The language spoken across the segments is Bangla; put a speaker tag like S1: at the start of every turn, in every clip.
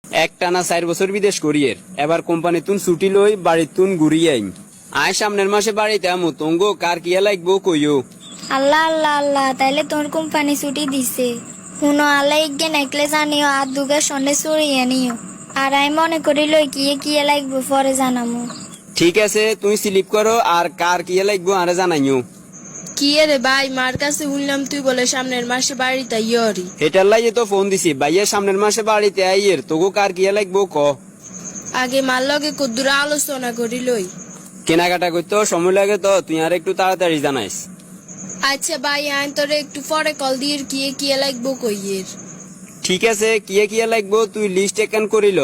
S1: একটানা 4 বছর বিদেশ করিয়ের এবার কোম্পানি তুন ছুটি লই বাড়ি তুন ঘুরিয়ে আইন আয় সামনের মাসে বাড়িতে আমু তঙ্গ কার কিয়া লাগবো কইও।
S2: আল্লাহ আল্লাহ আল্লাহ, তাইলে তোর কোম্পানি ছুটি দিছে। শুনো আল্লাহ ইগে নেকলেস আনিও আর দুগে সন্ধ্যে চড়িয়ে নিও। আর আমি মনে করিল কিয়ে লাগবো পরে জানামো।
S1: ঠিক আছে, তুই স্লিপ করো আর কার কিয়া লাগবো আরে জানাইও।
S3: কি রে ভাই, মার কাছে শুনলাম তুই বলে সামনের মাসে বাড়িতে ইয়রি।
S1: এটার লাগে তো ফোন দিছি, ভাইয়া সামনের মাসে বাড়িতে আইয়ের তোগো কার কিয়া লাগবো ক।
S3: আগে মার লগে কদ্দুরা আলোচনা করি লই।
S1: কেনাকাটা করতে সময় লাগে তো তুই আর একটু তাড়াতাড়ি জানাইস।
S3: আচ্ছা ভাই, আইন তোরে একটু পরে কল দিয়ে কিয়ে লাগবো কইয়ের।
S1: ঠিক আছে, কিয়া লাগবো তুই লিস্ট একান করিল।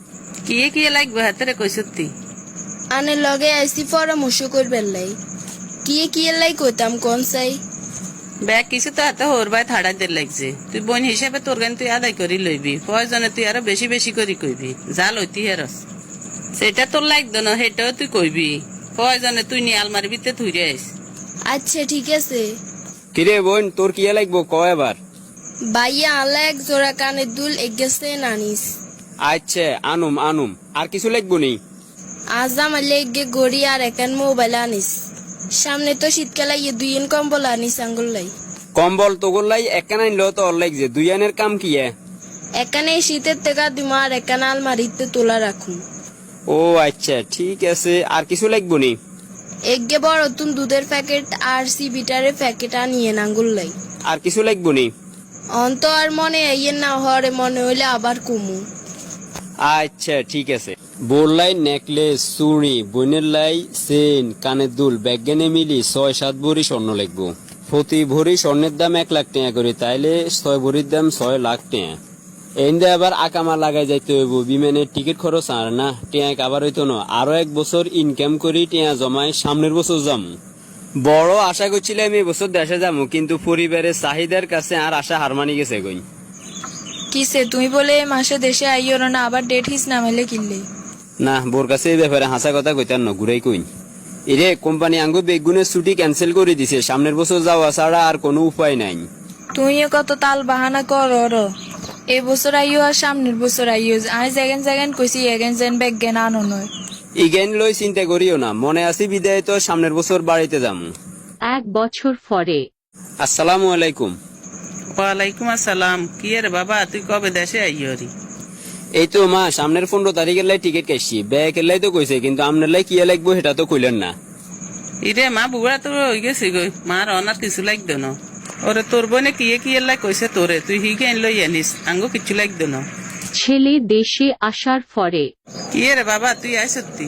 S4: কি লাগবে হাতে কইসতি
S3: আনে লগে আইসি পরামর্শ করবেন লাই। কিয়ে লাই কইতাম কোন চাই।
S4: ব্যাগ কিছু তো হাতে হোর ভাই থাড়া দের লাগছে। তুই বোন হিসেবে তোর গান তুই আদায় করি লইবি, প্রয়োজনে তুই আরো বেশি বেশি করি কইবি। যা লইতি হেরস সেটা তোর লাগতো না, সেটাও তুই কইবি। প্রয়োজনে তুই নিয়ে আলমারি ভিতরে থুই আইস।
S3: আচ্ছা ঠিক আছে।
S1: কিরে বোন তোর কিয়া লাগবো ক এবার।
S3: ভাইয়া আল্লাহ এক জোড়া কানের দুল এগেছে নানিস।
S1: আচ্ছা আনুম আর কিছু লাগবো নি।
S3: আজ আমার লেগে গড়ি আর একান মোবাইল আনিস। সামনে তো শীতকালে দুইন কম্বল আনিস আঙ্গুল লাই।
S1: কম্বল তোগর লাই একান আনলো তো অর লাগছে, দুই আনের কাম কি?
S3: এখানে শীতের টাকা দিমা আর একান আলমারিতে তোলা রাখুন।
S1: ও আচ্ছা ঠিক আছে, আর কিছু লাগবো নি।
S3: এগে বড় তুন দুধের প্যাকেট আর বিটারের প্যাকেট আনিয়ে আঙ্গুল লাই।
S1: আর কিছু লাগবো নি।
S3: অন্ত আর মনে আইয়ের না হরে, মনে হইলে আবার কুমু।
S1: আচ্ছা ঠিক আছে। বোর লাই নেকলেস, চুড়ি, বোনের লাই চেন, কানের দুল, ব্যাগেনে মিলি 6-7 ভরি স্বর্ণ লাগবো। প্রতি ভরি স্বর্ণের দাম 1 লাখ টাকা করে, তাইলে 6 ভরির দাম 6 লাখ টাকা। এন্দে আবার আকামা লাগাই যাইতে হইব, বিমানের টিকিট খরচ আর না টিয়া আবার হইতো না। আরো 1 বছর ইনকাম করি টিয়া জমাই সামনের বছর যাম। বড় আশা করছিলাম এই বছর দেশে যাবো, কিন্তু পরিবারের চাহিদার কাছে আর আশা হার মানি গেছে গই।
S5: কিসে তুমি বলে মাসে দেশে আইও না, আবার ডেট হিস নামাইলে কিনলে?
S1: না, বোর কাছে এই ব্যাপারে হাসা কথা কইতার না, ঘুরাই কইন। এরে কোম্পানি আঙ্গু বেগুনের ছুটি ক্যান্সেল করে দিছে, সামনের বছর যাওয়া ছাড়া আর কোনো উপায় নাই।
S5: তুইও কত তাল বাহানা কর। এই বছর আইও আর সামনের বছর আইও। আই যেগেন কইছি এগেন যেন ব্যাগ জ্ঞান আনো নয়।
S1: ইগেন লই চিন্তা করিও না, মনে আছি বিদায় তো সামনের বছর বাড়িতে যাম।
S6: 1 বছর পরে।
S1: আসসালামু আলাইকুম।
S4: ওয়ালাইকুম আসসালাম। কি রে বাবা, তুই কবে দেশে আইয়রি?
S1: এই তো মা, সামনের 15 তারিখের লাই টিকিট কাটছি, ব্যাগের লাই তো কইছে, কিন্তু আপনার লাই কি লাগবো সেটা তো কইলেন না।
S4: ইরে মা, বুড়া তো হয়ে গেছে গই, মার অনার কিছু লাগতো না। ওরে তোর বোনে কি লাই কইছে তোরে, তুই হিগে লই আনিস, আঙ্গো কিছু লাগতো না।
S6: ছেলে দেশে আসার পরে।
S4: কি রে বাবা, তুই আয় সত্যি?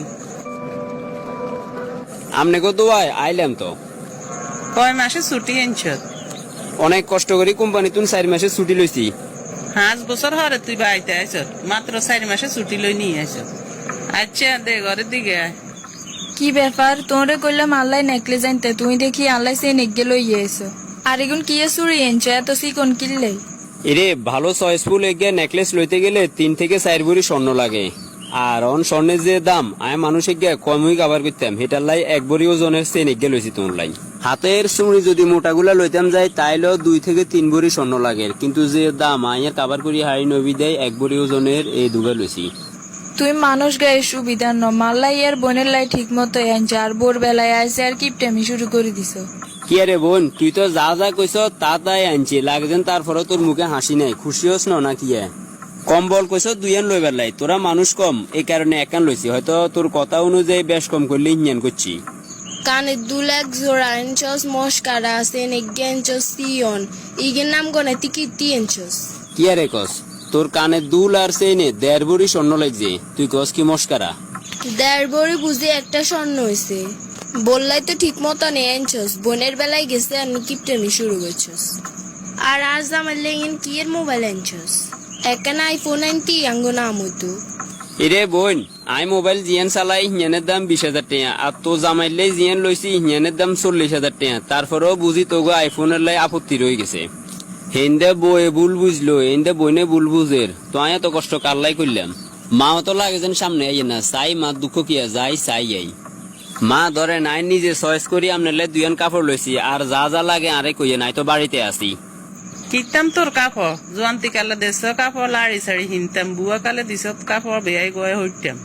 S1: আমনে কত আইলাম তো।
S4: কয় মাসে ছুটি আনছ?
S1: অনেক কষ্ট করি কোম্পানি তুন 4 মাসের ছুটি লইছি।
S4: 5 বছর হরে তুই বাড়িতে আইস, মাত্র 4 মাসে ছুটি লই নিয়ে আইস। আচ্ছা দে ঘরের দিকে আয়।
S5: কি ব্যাপার, তোরে কইলাম আল্লাহ নেকলেস আনতে, তুই দেখি আল্লাহ সে নেগে লইয়ে এসো। আর এগুন কি চুরি এনছো এত চিকন কিনলে?
S1: এরে ভালো চয়েসফুল এগে নেকলেস লইতে গেলে 3 থেকে 4 ভরি স্বর্ণ লাগে। আর অন স্বর্ণের যে দাম আয় মানুষ এগে কমই কাবার করতাম, হেটার লাই 1 ভরি ওজনের চেন এগে লইছি তোর লাই। হাতের চুড়ি যদি মোটাগুলা লইতাম যায় তাইলেও 2 থেকে 3 ভরি স্বর্ণ লাগে, কিন্তু যে দাম আয়ের কাবার করি হাই নবী দেয় 1 ভরি ওজনের এই দুগা লইছি।
S5: তুই মানুষ গায়ে সুবিধা ন, মাল্লাই আর বোনের লাই ঠিক মতো আনছে, আর বোর বেলায় আইসে আর কিপটেমি শুরু করে দিছ।
S1: কি আরে বোন, তুই তো যা যা কইস তা তাই আনছি, লাগছেন তারপরে তোর মুখে হাসি নাই, খুশি হস না কি? কম্বল কইস 2 আন লইবার লাই, তোরা মানুষ কম এই কারণে 1 আন লইছি, হয়তো তোর কথা অনুযায়ী বেশ কম করলে ইঞ্জান করছি।
S3: কানের দুল 1 জোড়া আনছস, মস্কারা আছে নেগে আনছস, সিয়ন ইগের নাম গনে টিকিটি আনছস।
S1: কি আরে কস, তোর কানে দুল আর চেনে 1.5 ভরি স্বর্ণ লাগছে, তুই কস কি মস্কারা?
S3: 1.5 ভরি বুঝে একটা স্বর্ণ হয়েছে। বললাই তো ঠিক মতো নেই আনছস, বোনের বেলায় গেছে আর কিপটেমি শুরু করছস। আর আজ আমার লেগেন কি এর মোবাইল আনছস? একখানা আইফোন আনতি আঙ্গো নাম হইতো।
S1: এরে বোন, আই মোবাইল জিয়ান চালাই হিয়ানের দাম 20,000 টাকা, আর তো জামাইলে জিয়ান লইছি হিয়ানের দাম 40,000 টাকা। তারপরেও বুঝি তোগো আইফোনের লাই আপত্তি রয়ে গেছে। হেন্দে বয়ে ভুল বুঝলো, হেন্দে বইনে ভুল বুঝের, তো আয় এত কষ্ট কারলাই করলাম। মাও তো লাগে যেন সামনে আইয়ে না, চাই মা দুঃখ কিয়া যাই চাই আই। মা ধরে নাই নিজে চয়েস করি আপনার লাই 2 আন কাপড় লইছি, আর যা যা লাগে আরে কইয়ে নাই তো বাড়িতে আসি।
S4: কিতাম তোর কাপড় জোয়ান্তি কালে দেশ কাপড় লাড়ি সাড়ি হিনতাম বুয়া কালে দিস কাপড় বেয়াই গয়ে হইতাম।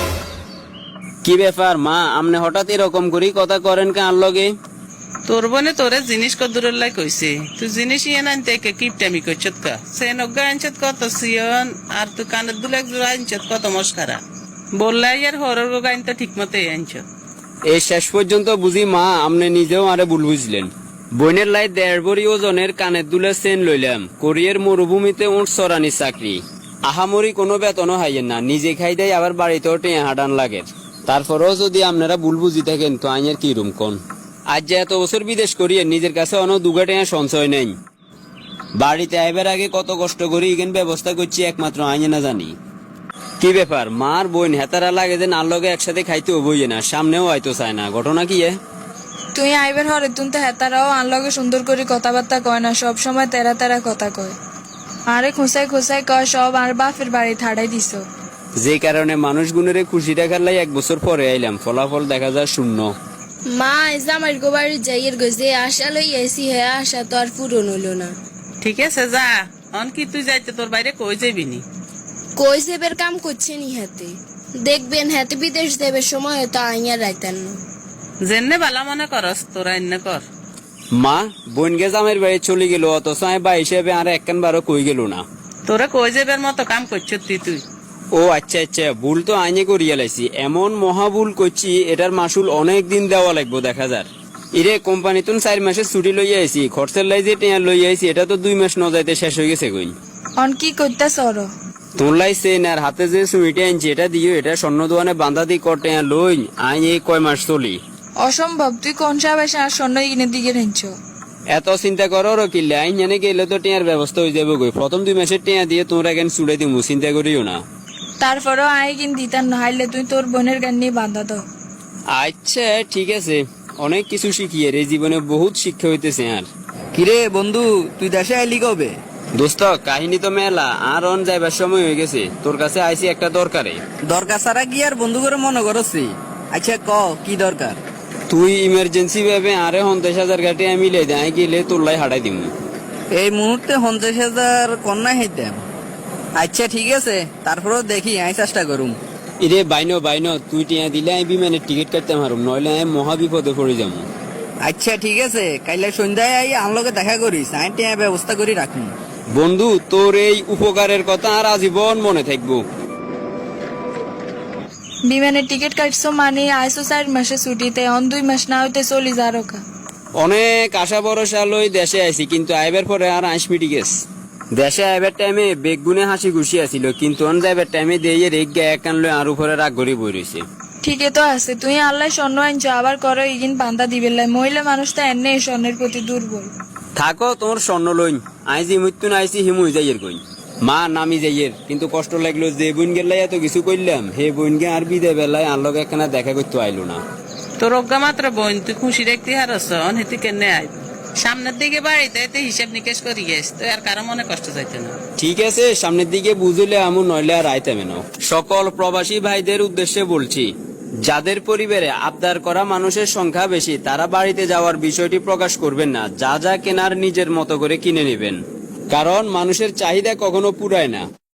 S1: কি ব্যাপার মা, আমনে হঠাৎ এরকম করি কথা করেন কার লগে?
S4: তোর বনে তোরে জিনিস কদুরের লাই কইছে, তুই জিনিস ইয়ে আনতে কিপটামি করছত কা সে নগ্গা আনছত কত সিয়ন আর তুই কানের দুলে এক জোড়া আনছত কত মস্কারা বললাই আর হরর গো গাইন তো ঠিক মতো আনছত।
S1: এই শেষ পর্যন্ত বুঝি মা আমনে নিজেও আরে ভুল বুঝলেন। বইনের লাই 1.5 ভরি ওজনের কানের দুলের চেন লইলাম, কোরিয়ার মরুভূমিতে উঠ চরানি চাকরি, আহামরি কোনো বেতনও হাইয়েন না, নিজে খাই দেয় আবার বাড়িতেও টেঁ হাডান লাগে। তারপরেও যদি আপনারা ভুল বুঝি থাকেন তো আইনের কি রুম কোন? আজ যে এত বছর বিদেশ করিয়ে নিজের কাছে অনেক দুগা টেঁ সঞ্চয় নেই, বাড়িতে আইবার আগে কত কষ্ট করি ইগেন ব্যবস্থা করছি একমাত্র আইনে না জানি। কি ব্যাপার মার বোন হেতারা লাগে যে নার লগে একসাথে খাইতে বইয়ে না, সামনেও হয়তো চায় না, ঘটনা কি?
S5: তুই আইবার হরে তুন তো হেতারাও আনলগে সুন্দর করে কথাবার্তা কয় না, সব সময় তেরা তেরা কথা কয়। আরে খোঁসাই খোঁসাই কয় সব আর বাপের বাড়ি থাড়াই দিস।
S1: যে কারণে মানুষ গুণের খুশি দেখার লাই 1 বছর পরে আইলাম, ফলাফল দেখা যায় শূন্য।
S3: মা জামাই গো বাড়ি যাইয়ের গো যে আশা লই আইসি হে আশা তো আর পূরণ হইল না।
S4: ঠিক আছে যা, অন কি তুই যাইতে তোর বাইরে কই যাবি নি?
S3: কই সেবের কাম করছে নি হাতে, দেখবেন হাতে বিদেশ দেবের সময় হয়তো আইয়ার রাইতেন না।
S4: জেনে বালা মনে করস তোরা এনে কর।
S1: মা বোন গে জামের বাড়ি চলে গেল, অথচ আমি বা হিসেবে আর একখান বারো কই গেল না।
S4: তোরা কই যাবের মতো কাম করছিস তুই?
S1: ও আচ্ছা আচ্ছা, ভুল তো আইনে করিয়া লাইছি, এমন মহা ভুল করছি এটার মাসুল অনেক দিন দেওয়া লাগবো দেখা যার। ইরে কোম্পানি তুন 4 মাসের ছুটি লইয়া আইছি, খরচের লাই যে টেয়ার লইয়া আইছি এটা তো 2 মাস ন যাইতে শেষ হয়ে গেছে কই।
S5: অন কি করতে সর?
S1: তোর লাই চেন আর হাতে যে সুইটে আনছি এটা দিও, এটা স্বর্ণ দোকানে বান্ধা দি কর টেয়ার লই আই এই কয় মাস চলি।
S5: অসম্ভব, তুই কোন সাবাসে আর স্বর্ণ কিনে দিকে রেঞ্চ?
S1: এত চিন্তা করো কিল্লে, আইন জানে গেলে তো টেয়ার ব্যবস্থা হয়ে যাবে গই, প্রথম 2 মাসের টেয়া দিয়ে তোমরা কেন চুড়ে দিমু, চিন্তা করিও না।
S5: তারপরেও আই কিন দিতাম না, হাইলে তুই তোর বোনের গান নিয়ে বান্ধা দাও।
S1: আচ্ছা ঠিক আছে, অনেক কিছু শিখিয়ে রে, জীবনে বহুত শিক্ষা হইতেছে। আর
S7: কিরে বন্ধু, তুই দেশে আইলি কবে?
S1: দোস্ত কাহিনী তো মেলা, আর অন যাইবার সময় হয়ে গেছে, তোর কাছে আইছি একটা দরকারে।
S7: দরকার ছাড়া কি আর বন্ধু করে মনে করছি? আচ্ছা ক কি দরকার?
S1: তুই ইমার্জেন্সি ভাবে আরে 50,000 গাটি আমি লে দেয় গেলে তোর লাই হাঁটাই দিমু।
S7: এই মুহূর্তে 50,000 কন্যা হইতাম। আচ্ছা ঠিক আছে, তারপরেও দেখি আমি চেষ্টা করুম।
S1: ইরে বাইনো বাইনো, তুই টিয়া দিলে আমি বিমানের টিকিট কাটতে পারুম, নইলে আমি মহা বিপদে পড়ে যাবো।
S7: আচ্ছা ঠিক আছে, কাইলে সন্ধ্যায় আই আমলকে দেখা করিস, আমি টিয়া ব্যবস্থা করি রাখুন।
S1: বন্ধু তোর এই উপকারের কথা আর আজীবন মনে থাকবো।
S5: বিমানের টিকিট কাটছো মানে আইসো 4 মাসে ছুটিতে, অন 2 মাস না হইতে চলি যারো কা।
S1: অনেক আশা ভরসা লই দেশে আইছি, কিন্তু আইবার পরে আর আইসমিটি গেছ। দেশে আইবার টাইমে বেগুনে হাসি খুশি আছিল, কিন্তু অন যাইবার টাইমে দিয়ে রেগ গে একান লই আর উপরে রাগ গড়ি বই রয়েছে।
S5: ঠিকই তো আছে, তুই আল্লাহ স্বর্ণ আনছো আবার করো ইগিন বান্ধা দিবেন লাই, মহিলা মানুষ তো এনে স্বর্ণের প্রতি দুর্বল।
S1: থাকো তোমার স্বর্ণ লইন, আইজি মৃত্যু না আইসি হিমুই যাইয়ের কই মা নামি যাইয়ের, কিন্তু কষ্ট লাগলো যে বোন গেলাই এত কিছু কইলাম, হে বোন গে আর বিদে বেলায় আনলক একখানা দেখা করতে আইলো না।
S4: তোর অজ্ঞা মাত্র বোন, তুই খুশি দেখতে হারস অনহেতি কেনে আই সামনের দিকে বাড়িতে এতে হিসাব নিকেশ করি গেছ, তো আর কারো মনে কষ্ট যাইতে না।
S1: ঠিক আছে, সামনের দিকে বুঝলে আমু, নইলে আর আইতামে না। সকল প্রবাসী ভাইদের উদ্দেশ্যে বলছি, যাদের পরিবারে আবদার করা মানুষের সংখ্যা বেশি তারা বাড়িতে যাওয়ার বিষয়টি প্রকাশ করবেন না, যা যা কেনার নিজের মতো করে কিনে নেবেন, কারণ মানুষের চাহিদা কখনো পুরায় না।